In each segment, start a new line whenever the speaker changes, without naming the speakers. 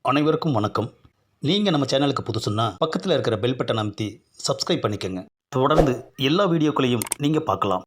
அனைவருக்கும் வணக்கம். நீங்கள் நம்ம சேனலுக்கு புதுசுன்னா பக்கத்தில் இருக்கிற பெல் பட்டன் அமைத்தி சப்ஸ்கிரைப் பண்ணிக்கோங்க. தொடர்ந்து எல்லா வீடியோக்களையும் நீங்கள் பார்க்கலாம்.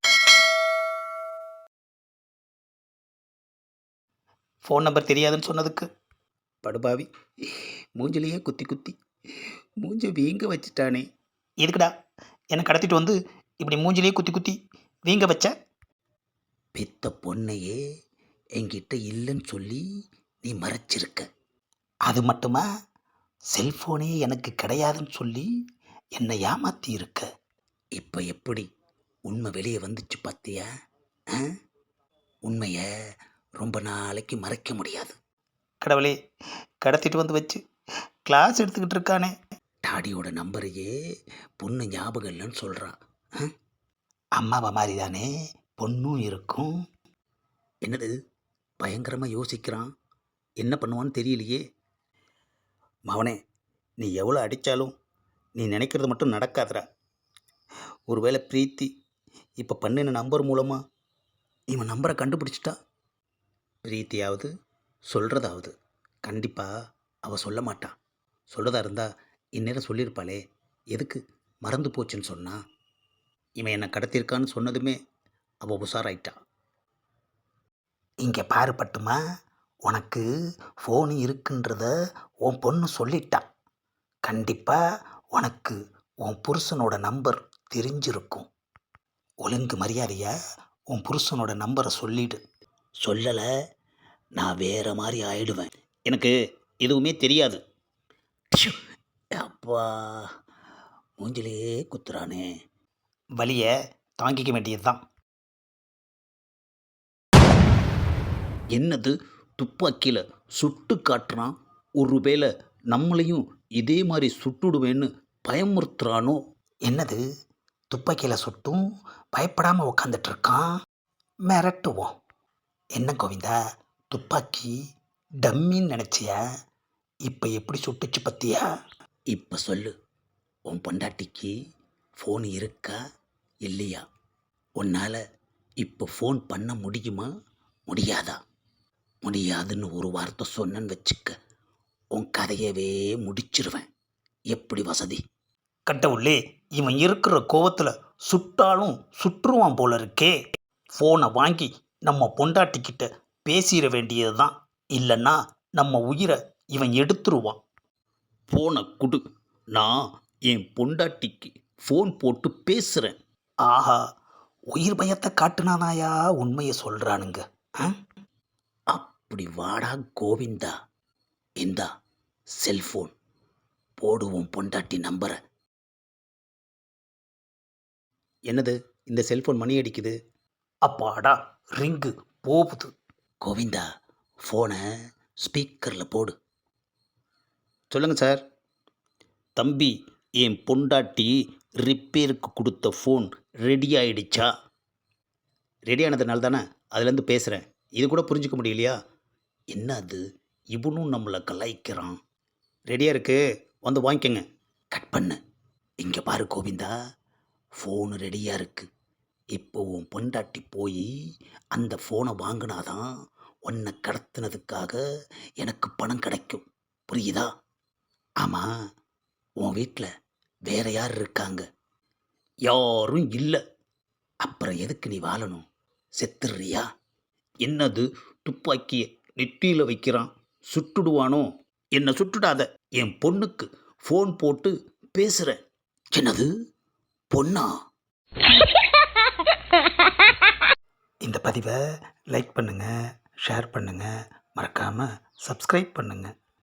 ஃபோன் நம்பர் தெரியாதுன்னு சொன்னதுக்கு படுபாவி மூஞ்சிலேயே குத்தி குத்தி மூஞ்ச வீங்க வச்சுட்டானே. எதுக்குடா என்னை கடத்திட்டு வந்து இப்படி மூஞ்சிலேயே குத்தி குத்தி வீங்க வச்ச? பெத்த பொண்ணையே என்கிட்ட இல்லைன்னு சொல்லி நீ மறைச்சிருக்க. அது மட்டுமா, செல்ஃபோனே எனக்கு கிடையாதுன்னு சொல்லி என்னை ஏமாற்றி இருக்க. இப்போ எப்படி உண்மை வெளியே வந்துச்சு பார்த்தியா? ஆ? உண்மையை ரொம்ப நாளைக்கு மறைக்க முடியாது. கடவுளே, கடத்திட்டு வந்து வச்சு கிளாஸ் எடுத்துக்கிட்டு இருக்கானே. டாடியோட நம்பரையே பொண்ணு ஞாபகம் இல்லைன்னு சொல்கிறான். அம்மாவை மாதிரி தானே பொண்ணும் இருக்கும். என்னது பயங்கரமாக யோசிக்கிறான். என்ன பண்ணுவான்னு தெரியலையே. மவனே, நீ எவ்வளோ அடித்தாலும் நீ நினைக்கிறது மட்டும் நடக்காதுடா. ஒருவேளை பிரீத்தி இப்போ பண்ணின நம்பர் மூலமாக இவன் நம்பரை கண்டுபிடிச்சிட்டா. பிரீத்தியாவது சொல்கிறதாவது கண்டிப்பாக அவள் சொல்ல மாட்டான். சொல்கிறதா இருந்தால் இந்நேரம் சொல்லியிருப்பாளே. எதுக்கு மறந்து போச்சுன்னு சொன்னா? இவன் என்னை கடத்தியிருக்கான்னு சொன்னதுமே அவள் உஷாராயிட்டா. இங்கே பாரு பட்டுமா, உனக்கு ஃபோனு இருக்குன்றத உன் பொண்ணு சொல்லிட்டா. கண்டிப்பாக உனக்கு உன் புருஷனோட நம்பர் தெரிஞ்சிருக்கும். ஒழுங்கு மரியாதையா உன் புருஷனோட நம்பரை சொல்லிடு. சொல்லலை நான் வேறு மாதிரி ஆயிடுவேன். எனக்கு எதுவுமே தெரியாது. அப்பா, மூஞ்சிலே குத்துறானே. வலியை தாங்கிக்க வேண்டியது தான். என்னது துப்பாக்கியில் சுட்டு காட்டுறான். ஒருவேளை நம்மளையும் இதே மாதிரி சுட்டுடுவேன்னு பயமுறுத்துறானோ? என்னது துப்பாக்கியில் சுட்டும் பயப்படாமல் உக்காந்துட்டு இருக்கான். மிரட்டுவோம். என்ன கோவிந்தா, துப்பாக்கி டம்மின்னு நினச்சியா? இப்போ எப்படி சுட்டுச்சு பத்தியா? இப்போ சொல்லு, உன் பொண்டாட்டிக்கு ஃபோன் இருக்கா இல்லையா? உன்னால் இப்போ ஃபோன் பண்ண முடியுமா முடியாதா? முடியாதுன்னு ஒரு வார்த்தை சொன்னேன்னு வச்சுக்க, உன் கதையவே முடிச்சிருவேன். எப்படி வசதி? கட்டவுள்ளே, இவன் இருக்கிற கோவத்தில் சுட்டாலும் சுற்றுவான் போல இருக்கே. ஃபோனை வாங்கி நம்ம பொண்டாட்டிக்கிட்ட பேசிட வேண்டியது தான். இல்லைன்னா நம்ம உயிரை இவன் எடுத்துருவான். ஃபோனை கொடு, நான் என் பொண்டாட்டிக்கு ஃபோன் போட்டு பேசுகிறேன். ஆஹா, உயிர் பயத்தை காட்டுனானாயா உண்மையை சொல்கிறானுங்க. அப்படி வாடா கோவிந்தா, இந்தா செல்ஃபோன், போடுவோம் பொண்டாட்டி நம்பரை. என்னது இந்த செல்ஃபோன் மணி அடிக்குது? அப்பாடா, ரிங்கு போகுது. கோவிந்தா, ஃபோனை ஸ்பீக்கரில் போடு. சொல்லுங்கள் சார். தம்பி, என் பொண்டாட்டி ரிப்பேருக்கு கொடுத்த ஃபோன் ரெடி ஆகிடுச்சா? ரெடி ஆனதுனால தானே அதுலேருந்து பேசுகிறேன். இது கூட புரிஞ்சிக்க முடியலையா? என்ன அது, இவனும் நம்மளை கலாய்க்கிறான். ரெடியாக இருக்கு, வந்து வாங்கிக்கோங்க. கட் பண்ணு. இங்கே பாரு கோவிந்தா, ஃபோனு ரெடியாக இருக்குது. இப்போ உன் பொண்டாட்டி போய் அந்த ஃபோனை வாங்கினாதான் உன்னை கடத்தினதுக்காக எனக்கு பணம் கிடைக்கும். புரியுதா? ஆமாம், உன் வீட்டில் வேற யார் இருக்காங்க? யாரும் இல்லை. அப்புறம் எதுக்கு நீ வாழணும்? செத்துடுறியா? என்னது துப்பாக்கியை நெற்றியில் வைக்கிறான், சுட்டுடுவானோ? என்னை சுட்டுடாத, என் பொண்ணுக்கு ஃபோன் போட்டு பேசுகிறேன். என்னது பொண்ணா? இந்த பதிவை லைக் பண்ணுங்கள், ஷேர் பண்ணுங்கள், மறக்காமல் சப்ஸ்கிரைப் பண்ணுங்கள்.